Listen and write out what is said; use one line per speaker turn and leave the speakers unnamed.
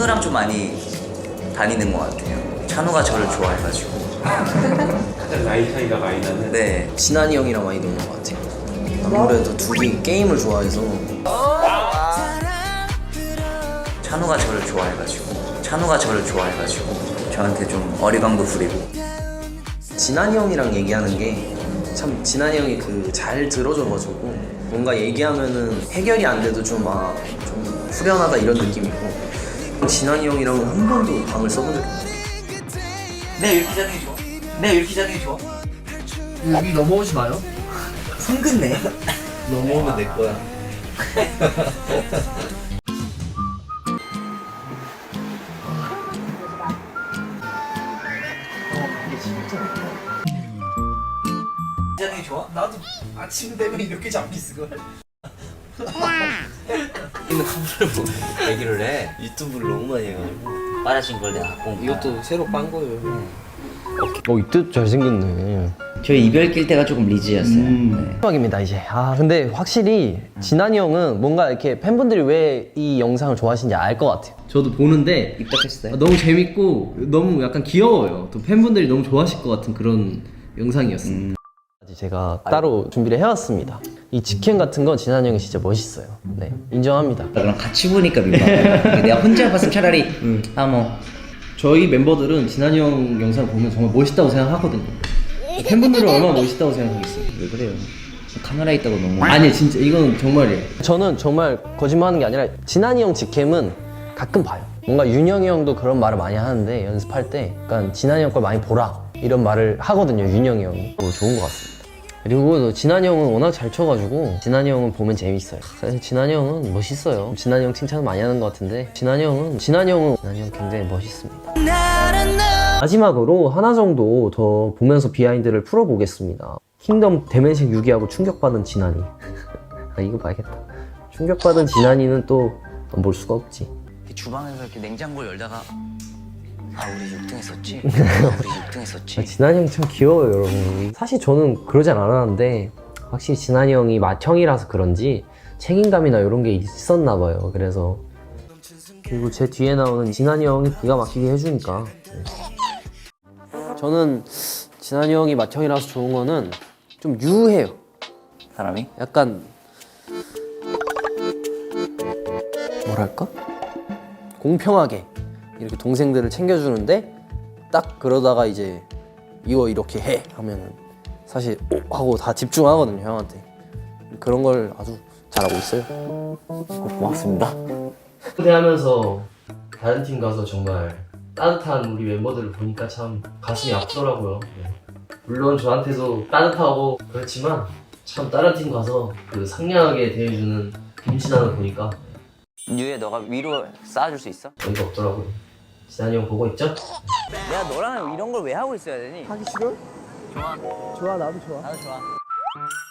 찬우랑 좀 많이 다니는 것 같아요. 찬우가 저를 좋아해가지고.
가장 나이 차이가 많이 나는.
네.
진한이 형이랑 많이 노는 것 같아요. 아무래도 둘이 게임을 좋아해서.
찬우가 저를 좋아해가지고 저한테 좀 어리광도 부리고.
진한이 형이랑 얘기하는 게 참 진한이 형이 그 잘 들어줘가지고 뭔가 얘기하면은 해결이 안 돼도 좀 후련하다 이런 느낌이고, 진한이 형이랑은 한 번도 방을 써본 적이 없어요.
내가 이렇게 자는 게 좋아.
여기 넘어오지 마요.
성근네.
넘어오면 내 거야.
자는 게 좋아?
나도 아침 되면 이렇게 잡히스걸.
이거 카메라를 보고 얘기를 해.
유튜브를 너무 많이 해가지고.
빨아진 걸 내가 갖고 온 거야.
이것도 새로 빤 거예요. 이때 잘생겼네.
저희 이별 낄 때가 조금 리즈였어요. 네.
마지막입니다 이제. 근데 확실히 진한이 형은 뭔가 이렇게 팬분들이 왜 이 영상을 좋아하시는지 알 것 같아요. 저도 보는데
입덕했어요?
너무 재밌고 너무 약간 귀여워요. 또 팬분들이 너무 좋아하실 것 같은 그런 영상이었습니다. 제가 따로 준비를 해왔습니다. 이 직캠 같은 건 진한이 형이 진짜 멋있어요. 네, 인정합니다.
그럼 같이 보니까 민망해. 내가 혼자 봤으면 차라리
저희 멤버들은 진한이 형 영상을 보면 정말 멋있다고 생각하거든요. 팬분들은 얼마나 멋있다고 생각하겠어요.
왜 그래요? 카메라 있다고 너무.
아니 진짜 이건 정말이에요. 저는 정말 거짓말하는 게 아니라 진한이 형 직캠은 가끔 봐요. 뭔가 윤영이 형도 그런 말을 많이 하는데 연습할 때 약간 진한이 형 걸 많이 보라 이런 말을 하거든요. 윤영이 형이. 좋은 것 같습니다. 그리고 또 진한이 형은 워낙 잘 쳐가지고 진한이 형은 보면 재밌어요. 사실 진한이 형은 멋있어요. 진한이 형 칭찬 많이 하는 것 같은데 진한이 형은 굉장히 멋있습니다. 마지막으로 하나 정도 더 보면서 비하인드를 풀어보겠습니다. 킹덤 대면식 6위하고 충격받은 진한이. 이거 봐야겠다. 충격받은 진한이는 또 볼 수가 없지.
주방에서 이렇게 냉장고 열다가 우리 6등 했었지? 우리 6등 했었지?
진한이 형이 참 귀여워요, 여러분. 사실 저는 그러진 않았는데 확실히 진한이 형이 맏형이라서 그런지 책임감이나 이런 게 있었나 봐요. 그래서 그리고 제 뒤에 나오는 진한이 형이 기가 막히게 해주니까. 저는 진한이 형이 맏형이라서 좋은 거는 좀 유해요.
사람이?
약간 뭐랄까? 공평하게 이렇게 동생들을 챙겨주는데 딱 그러다가 이제 이거 이렇게 해 하면은 사실 하고 다 집중하거든요, 형한테. 그런 걸 아주 잘하고 있어요.
고맙습니다.
무대하면서 다른 팀 가서 정말 따뜻한 우리 멤버들을 보니까 참 가슴이 아프더라고요. 물론 저한테도 따뜻하고 그렇지만 참 다른 팀 가서 그 상냥하게 대해주는 김진환을 보니까
유에 너가 위로 쌓아줄 수 있어?
어이가 없더라고요. 진환이 형 보고 있죠?
내가 너랑 이런 걸 왜 하고 있어야 되니?
하기 싫어?
좋아.
좋아, 나도 좋아.
나도 좋아.